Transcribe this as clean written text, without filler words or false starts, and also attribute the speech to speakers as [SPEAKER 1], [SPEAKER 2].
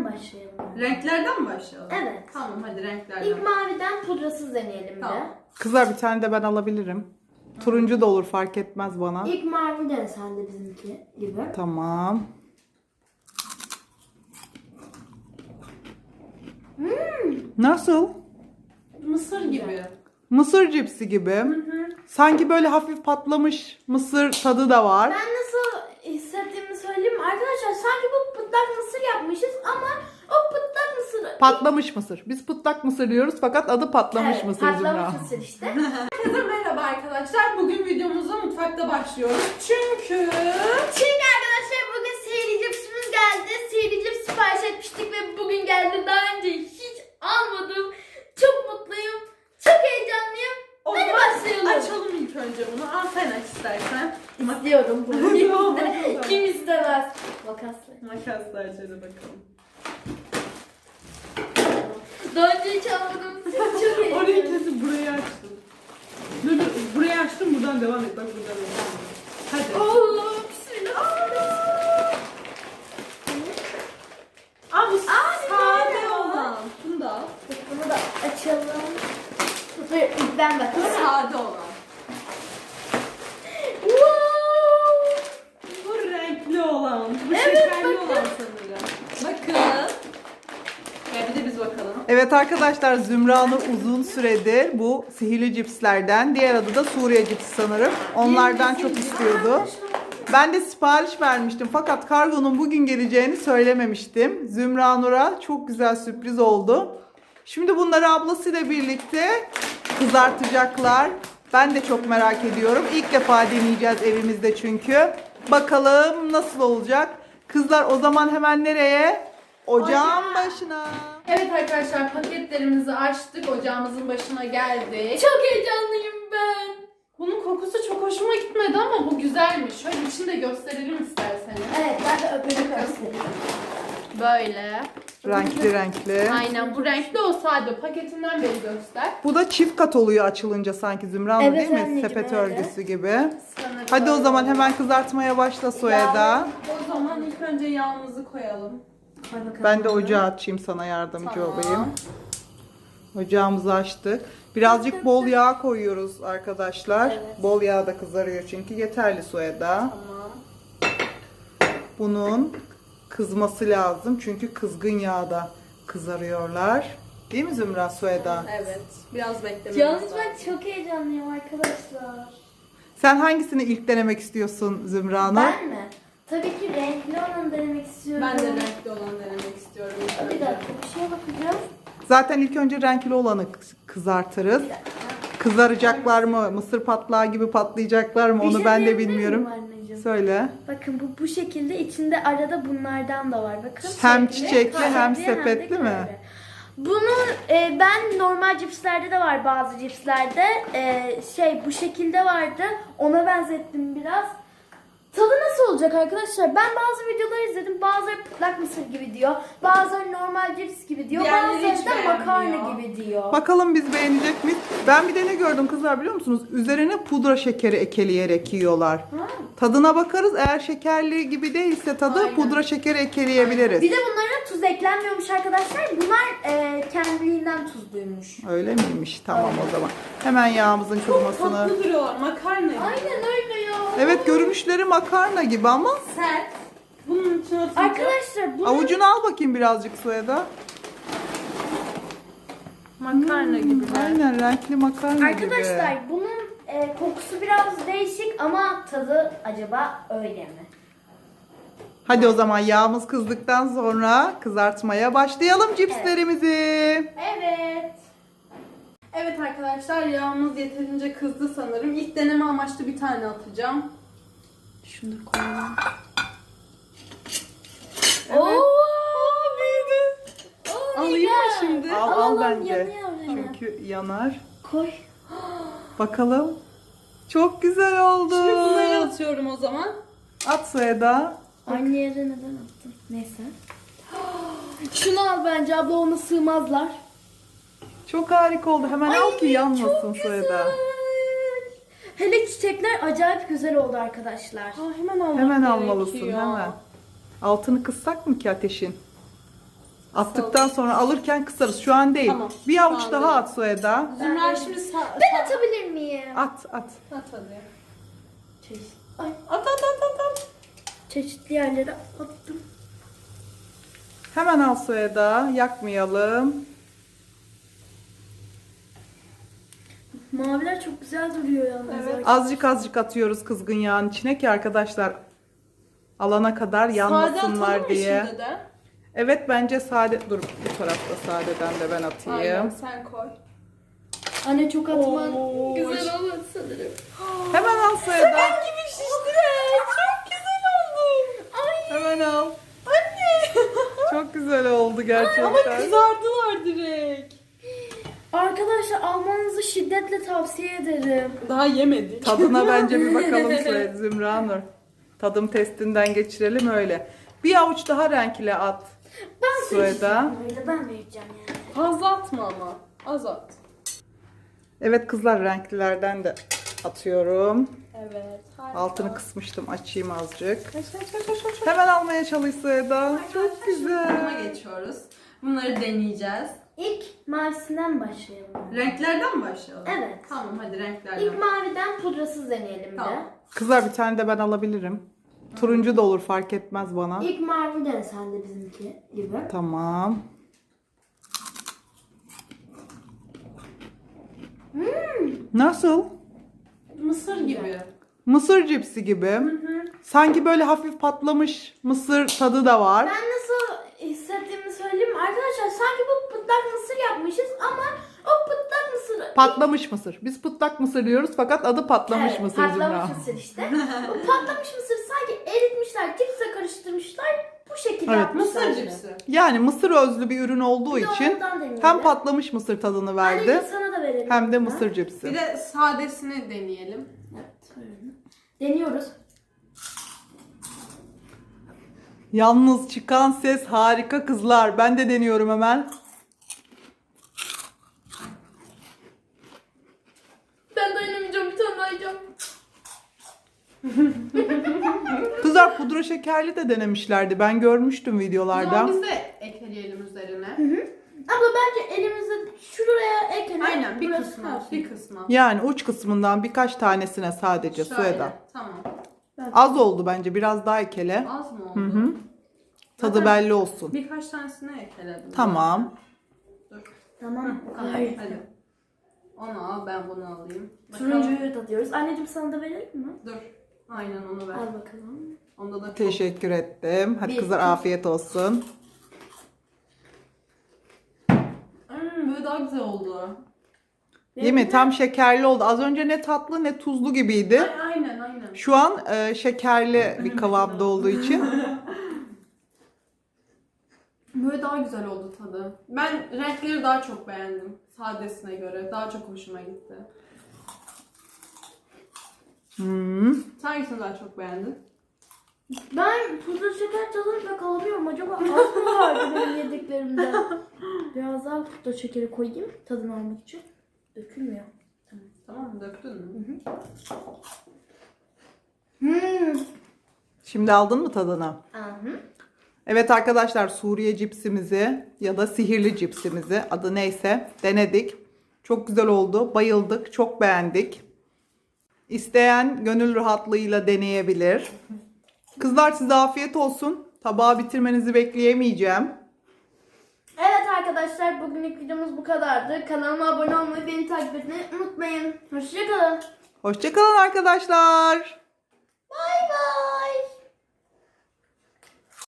[SPEAKER 1] başlayalım.
[SPEAKER 2] Renklerden mi başlayalım?
[SPEAKER 1] Evet.
[SPEAKER 2] Tamam hadi renklerden.
[SPEAKER 1] İlk maviden pudrasız deneyelim
[SPEAKER 2] Tamam.
[SPEAKER 1] de.
[SPEAKER 3] Kızlar bir tane de ben alabilirim. Turuncu da olur, fark etmez bana.
[SPEAKER 1] İlk mavi dene sen de bizimki gibi.
[SPEAKER 3] Tamam. Nasıl?
[SPEAKER 2] Mısır gibi.
[SPEAKER 3] Mısır cipsi gibi. Sanki böyle hafif patlamış mısır tadı da var.
[SPEAKER 1] Ben nasıl hissettiğimi söyleyeyim mi? Arkadaşlar sanki bu pıtlak mısır yapmışız ama o pıtlak mısır...
[SPEAKER 3] Patlamış mısır. Biz pıtlak mısır diyoruz fakat adı patlamış
[SPEAKER 1] Evet,
[SPEAKER 3] mısır
[SPEAKER 1] patlamış
[SPEAKER 3] Zümra.
[SPEAKER 1] mısır işte.
[SPEAKER 2] Herkese merhaba arkadaşlar. Bugün videomuza mutfakta başlıyoruz. Çünkü
[SPEAKER 1] Arkadaşlar bugün sihirli cipsimiz geldi. Sihirli cips sipariş etmiştik ve bugün geldi. Daha önce hiç almadım. Çok mutluyum. Çok heyecanlıyım.
[SPEAKER 2] o
[SPEAKER 1] Hadi
[SPEAKER 2] zaman
[SPEAKER 1] başlayalım.
[SPEAKER 2] açalım ilk önce bunu. Al sen aç istersen.
[SPEAKER 1] İstiyorum bunu.
[SPEAKER 2] Yok,
[SPEAKER 1] Kim istemez? Makasla.
[SPEAKER 2] Makasla açalım bakalım.
[SPEAKER 1] Daha önce hiç almadım. Çok heyecanlıyım.
[SPEAKER 2] Orayı kesip burayı açtım. Dur burayı açtım buradan devam et. Bak buradan devam et. Hadi.
[SPEAKER 1] Allah bismillah.
[SPEAKER 2] Aa bu
[SPEAKER 1] Aa,
[SPEAKER 2] sade
[SPEAKER 1] güzel.
[SPEAKER 2] olan. Bunu da al.
[SPEAKER 1] Bunu da açalım. Dur ilk ben
[SPEAKER 2] Bu
[SPEAKER 1] bakayım.
[SPEAKER 2] sade olan.
[SPEAKER 1] Wow.
[SPEAKER 2] Bu renkli olan. Bu
[SPEAKER 1] Evet,
[SPEAKER 2] şekerli
[SPEAKER 1] bakın.
[SPEAKER 2] olan sanırım. Bakın. Ya bir de biz bakalım.
[SPEAKER 3] Evet arkadaşlar, Zümra Nur uzun süredir bu sihirli cipslerden, diğer adı da Suriye cipsi sanırım. Onlardan çok istiyordu. Ben de sipariş vermiştim fakat kargonun bugün geleceğini söylememiştim. Zümra Nur'a çok güzel sürpriz oldu. Şimdi bunları ablasıyla birlikte kızartacaklar. Ben de çok merak ediyorum. İlk defa deneyeceğiz evimizde çünkü. Bakalım nasıl olacak. Kızlar o zaman hemen nereye? Ocağın başına.
[SPEAKER 2] Evet arkadaşlar paketlerimizi açtık. Ocağımızın başına geldik.
[SPEAKER 1] Çok heyecanlıyım ben.
[SPEAKER 2] Bunun kokusu çok hoşuma gitmedi ama bu güzelmiş. Şöyle içini de gösterelim isterseniz.
[SPEAKER 1] Evet ben de öpücük göstereyim.
[SPEAKER 2] Böyle.
[SPEAKER 3] Renkli renkli.
[SPEAKER 2] Aynen bu renkli o sade. Paketinden beri göster.
[SPEAKER 3] Bu da çift kat oluyor açılınca sanki Zümra Nur,
[SPEAKER 1] Evet
[SPEAKER 3] değil mi?
[SPEAKER 1] anneciğim,
[SPEAKER 3] Sepet
[SPEAKER 1] öyle.
[SPEAKER 3] örgüsü gibi.
[SPEAKER 2] Sanırım.
[SPEAKER 3] Hadi o zaman hemen kızartmaya başla Soyeda.
[SPEAKER 2] O zaman ilk önce yağımızı koyalım.
[SPEAKER 1] Koy bakalım.
[SPEAKER 3] Ben de ocağı açayım, sana yardımcı
[SPEAKER 2] Tamam.
[SPEAKER 3] olayım. Ocağımızı açtık. Birazcık bol yağ koyuyoruz arkadaşlar.
[SPEAKER 1] Evet.
[SPEAKER 3] Bol yağ da kızarıyor çünkü. Yeterli Soyeda.
[SPEAKER 2] Tamam.
[SPEAKER 3] Bunun kızması lazım çünkü kızgın yağda kızarıyorlar. Değil mi Zümra, Soyeda?
[SPEAKER 2] Evet. Biraz beklememiz
[SPEAKER 1] Yalnız
[SPEAKER 2] lazım.
[SPEAKER 1] ben çok heyecanlıyım arkadaşlar.
[SPEAKER 3] Sen hangisini ilk denemek istiyorsun Zümra Nur?
[SPEAKER 1] Ben mi? Tabii ki renkli olanı denemek istiyorum.
[SPEAKER 2] Ben de renkli olanı denemek istiyorum.
[SPEAKER 1] Bir dakika bir şeye bakacağım.
[SPEAKER 3] Zaten ilk önce renkli olanı kızartırız. Kızaracaklar mı? Mısır patlağı gibi patlayacaklar mı?
[SPEAKER 1] Bir
[SPEAKER 3] Onu
[SPEAKER 1] şey
[SPEAKER 3] ben de
[SPEAKER 1] diyebilir
[SPEAKER 3] bilmiyorum.
[SPEAKER 1] miyim anneciğim?
[SPEAKER 3] Söyle.
[SPEAKER 1] Bakın bu şekilde içinde arada bunlardan da var. Bakın.
[SPEAKER 3] Hem çiçekli hem
[SPEAKER 1] de
[SPEAKER 3] sepetli mi?
[SPEAKER 1] böyle. Bunu ben normal cipslerde de var, bazı cipslerde bu şekilde vardı. Ona benzettim biraz. Tadı nasıl olacak arkadaşlar? Ben bazı videolar izledim. Bazıları pıtlak mısır gibi diyor. Bazıları normal cips gibi diyor.
[SPEAKER 2] Diğerleri hiç
[SPEAKER 1] Bazıları da makarna
[SPEAKER 2] beğenmiyor.
[SPEAKER 1] gibi diyor.
[SPEAKER 3] Bakalım biz beğenecek miyiz? Ben bir de ne gördüm kızlar biliyor musunuz? Üzerine pudra şekeri ekeleyerek yiyorlar.
[SPEAKER 1] Ha.
[SPEAKER 3] Tadına bakarız. Eğer şekerli gibi değilse tadı,
[SPEAKER 2] Aynen.
[SPEAKER 3] pudra şekeri ekleyebiliriz.
[SPEAKER 1] Bir de bunlara tuz eklenmiyormuş arkadaşlar. Bunlar kendiliğinden tuzluymuş.
[SPEAKER 3] Öyle miymiş? Tamam o zaman. Hemen yağımızın kızmasını.
[SPEAKER 2] Tatlı duruyorlar. Makarna gibi.
[SPEAKER 1] Aynen öyle ya.
[SPEAKER 3] Evet, görünüşleri makarna gibi ama
[SPEAKER 2] Sert. Bunun içine atınca...
[SPEAKER 1] Arkadaşlar bunu
[SPEAKER 3] avucunu al bakayım birazcık Soyada.
[SPEAKER 2] Makarna gibi.
[SPEAKER 3] Aynen, renkli makarna gibi.
[SPEAKER 1] arkadaşlar bunun kokusu biraz değişik ama tadı acaba öyle mi?
[SPEAKER 3] Hadi o zaman yağımız kızdıktan sonra kızartmaya başlayalım cipslerimizi.
[SPEAKER 1] Evet.
[SPEAKER 2] Evet arkadaşlar yağımız yeterince kızdı sanırım. İlk deneme amaçlı bir tane atacağım. Şunu da koyalım.
[SPEAKER 3] Evet.
[SPEAKER 1] Oo,
[SPEAKER 3] büyüdü.
[SPEAKER 1] oh my
[SPEAKER 2] Alayım mı
[SPEAKER 1] God.
[SPEAKER 2] şimdi?
[SPEAKER 3] Al
[SPEAKER 1] Alalım,
[SPEAKER 3] bence.
[SPEAKER 1] yanıyor.
[SPEAKER 3] Çünkü yanar.
[SPEAKER 1] Koy.
[SPEAKER 3] Bakalım. Çok güzel oldu.
[SPEAKER 2] Şimdi bunları atıyorum o zaman.
[SPEAKER 3] At Soyada.
[SPEAKER 1] Aynı yere neden attın? Neyse. Şunu al bence, abla, ona sığmazlar.
[SPEAKER 3] Çok harika oldu. Hemen al ki yanmasın
[SPEAKER 1] çok
[SPEAKER 3] Soyada.
[SPEAKER 1] güzel. Hele çiçekler acayip güzel oldu arkadaşlar.
[SPEAKER 2] Hemen almam
[SPEAKER 3] Hemen
[SPEAKER 2] gerekiyor.
[SPEAKER 3] almalısın hemen. Altını kıssak mı ki ateşin? Attıktan sonra alırken kısarız. Şu an değil.
[SPEAKER 2] Tamam.
[SPEAKER 3] Bir
[SPEAKER 2] Şu
[SPEAKER 3] avuç
[SPEAKER 2] an
[SPEAKER 3] daha
[SPEAKER 2] değil.
[SPEAKER 3] at Sueda.
[SPEAKER 2] Zümra şimdi
[SPEAKER 1] Ben atabilir miyim?
[SPEAKER 3] At.
[SPEAKER 2] At hadi.
[SPEAKER 1] Ay,
[SPEAKER 2] At.
[SPEAKER 1] çeşitli yerlere attım.
[SPEAKER 3] Hemen al Sueda. Yakmayalım.
[SPEAKER 1] Maviler çok güzel duruyor yalnız.
[SPEAKER 2] Evet.
[SPEAKER 3] Azıcık atıyoruz kızgın yağın içine ki arkadaşlar alana kadar yanmasınlar
[SPEAKER 2] atalım mı
[SPEAKER 3] diye.
[SPEAKER 2] şimdi de?
[SPEAKER 3] Evet bence sade. Dur bu tarafta sadeden de ben atayım.
[SPEAKER 2] Aynen sen koy.
[SPEAKER 1] Anne çok atman
[SPEAKER 2] Oo,
[SPEAKER 1] güzel olur sanırım.
[SPEAKER 3] Hemen al Sueda.
[SPEAKER 2] gibi şişti. Çok güzel oldu. Ay.
[SPEAKER 3] Hemen al.
[SPEAKER 2] Anne.
[SPEAKER 3] Çok güzel oldu gerçekten.
[SPEAKER 2] Ama kızardılar direkt.
[SPEAKER 1] Arkadaşlar almanızı şiddetle tavsiye ederim.
[SPEAKER 2] Daha yemedik.
[SPEAKER 3] Tadına bence bir bakalım Sueda, Zümra Nur. Tadım testinden geçirelim öyle. Bir avuç daha renkli at.
[SPEAKER 1] Ben
[SPEAKER 3] Sueda.
[SPEAKER 1] Ben vereceğim yani.
[SPEAKER 2] Fazla atma ama. Az at.
[SPEAKER 3] Evet kızlar renklilerden de atıyorum.
[SPEAKER 2] Evet. Harika.
[SPEAKER 3] Altını kısmıştım, açayım azıcık.
[SPEAKER 2] Aç.
[SPEAKER 3] Hemen almaya çalış Sueda. Çok
[SPEAKER 2] Buna
[SPEAKER 3] güzel.
[SPEAKER 2] geçiyoruz. Bunları deneyeceğiz.
[SPEAKER 1] İlk mavisinden başlayalım.
[SPEAKER 2] Renklerden mi başlayalım?
[SPEAKER 1] Evet.
[SPEAKER 2] Tamam hadi renklerden.
[SPEAKER 1] İlk maviden pudrasız deneyelim
[SPEAKER 2] Tamam.
[SPEAKER 1] de.
[SPEAKER 3] Kızlar bir tane de ben alabilirim. Turuncu da olur fark etmez bana.
[SPEAKER 1] İlk mavi dene sen de bizimki gibi.
[SPEAKER 3] Tamam. Nasıl?
[SPEAKER 2] Mısır gibi.
[SPEAKER 3] Mısır cipsi gibi. Sanki böyle hafif patlamış mısır tadı da var.
[SPEAKER 1] Ben nasıl hissettiğimi söyleyeyim mi? Arkadaşlar sanki bu pıtlak mısır yapmışız ama o pıtlak mısır...
[SPEAKER 3] Patlamış mısır. Biz pıtlak mısır diyoruz fakat adı patlamış
[SPEAKER 1] Evet,
[SPEAKER 3] mısır
[SPEAKER 1] patlamış
[SPEAKER 3] Zümra.
[SPEAKER 1] mısır işte. O patlamış mısır sanki eritmişler, cipse karıştırmışlar. Bu şekilde
[SPEAKER 3] Evet,
[SPEAKER 1] yapmışlar.
[SPEAKER 2] Mısır cipsi.
[SPEAKER 3] Yani mısır özlü bir ürün olduğu
[SPEAKER 1] Bir de
[SPEAKER 3] için
[SPEAKER 1] ondan deneyelim.
[SPEAKER 3] hem patlamış mısır tadını verdi
[SPEAKER 1] Anneciğim sana da verelim.
[SPEAKER 3] hem de
[SPEAKER 1] bunu.
[SPEAKER 3] mısır cipsi.
[SPEAKER 2] Bir de sadesini deneyelim.
[SPEAKER 1] Evet, öyle. Deniyoruz.
[SPEAKER 3] Yalnız çıkan ses harika kızlar. Ben de deniyorum hemen.
[SPEAKER 1] Ben dayanamayacağım, bir tane daha yiyeceğim.
[SPEAKER 3] Kızlar pudra şekerli de denemişlerdi. Ben görmüştüm
[SPEAKER 2] O
[SPEAKER 3] videolarda.
[SPEAKER 2] zaman biz de ekleyelim üzerine.
[SPEAKER 1] Abla bence elimizde şuraya ekleyelim.
[SPEAKER 2] Aynen bir
[SPEAKER 1] Burası
[SPEAKER 2] kısmına.
[SPEAKER 1] kalsın.
[SPEAKER 2] Bir kısmına.
[SPEAKER 3] Yani uç kısmından birkaç tanesine sadece
[SPEAKER 2] Şöyle,
[SPEAKER 3] Sueda.
[SPEAKER 2] Tamam.
[SPEAKER 3] Az oldu bence. Biraz daha ekele.
[SPEAKER 2] Az mı oldu?
[SPEAKER 3] Hı. Tadı
[SPEAKER 2] Zaten
[SPEAKER 3] belli olsun.
[SPEAKER 2] Birkaç tanesini ekledim.
[SPEAKER 3] Tamam.
[SPEAKER 2] Dur.
[SPEAKER 1] Tamam.
[SPEAKER 2] Tamam,
[SPEAKER 1] Hayır.
[SPEAKER 2] hadi. Onu al, ben bunu alayım.
[SPEAKER 1] Turuncuyu da diyoruz. Anneciğim sana da verelim mi?
[SPEAKER 2] Dur. Aynen onu ver.
[SPEAKER 1] Al bakalım.
[SPEAKER 2] Onda da çok...
[SPEAKER 3] Teşekkür ettim. Hadi
[SPEAKER 1] Bir-
[SPEAKER 3] kızlar afiyet olsun.
[SPEAKER 2] Böyle daha güzel oldu.
[SPEAKER 3] Değil mi? Tam şekerli oldu. Az önce ne tatlı ne tuzlu gibiydi.
[SPEAKER 2] Aynen.
[SPEAKER 3] Şu an şekerli bir kıvamda olduğu için.
[SPEAKER 2] Böyle daha güzel oldu tadı. Ben renkleri daha çok beğendim. Sadesine göre. Daha çok hoşuma gitti.
[SPEAKER 3] Hmm.
[SPEAKER 2] Sen hangisini daha çok beğendin?
[SPEAKER 1] Ben pudra şeker tadını pek alamıyorum. Acaba az mı vardı benim yediklerimde? Biraz daha pudra şekeri koyayım tadını almak için. Dökülmüyor.
[SPEAKER 2] Tamam mı? Döktün mü?
[SPEAKER 3] Şimdi aldın mı tadını?
[SPEAKER 1] Aha.
[SPEAKER 3] Evet arkadaşlar Suriye cipsimizi ya da sihirli cipsimizi adı neyse denedik. Çok güzel oldu. Bayıldık. Çok beğendik. İsteyen gönül rahatlığıyla deneyebilir. Kızlar size afiyet olsun. Tabağı bitirmenizi bekleyemeyeceğim.
[SPEAKER 1] Evet arkadaşlar bugünlük videomuz bu kadardı. Kanalıma abone olmayı, beni takip etmeyi unutmayın. Hoşçakalın.
[SPEAKER 3] Hoşçakalın arkadaşlar.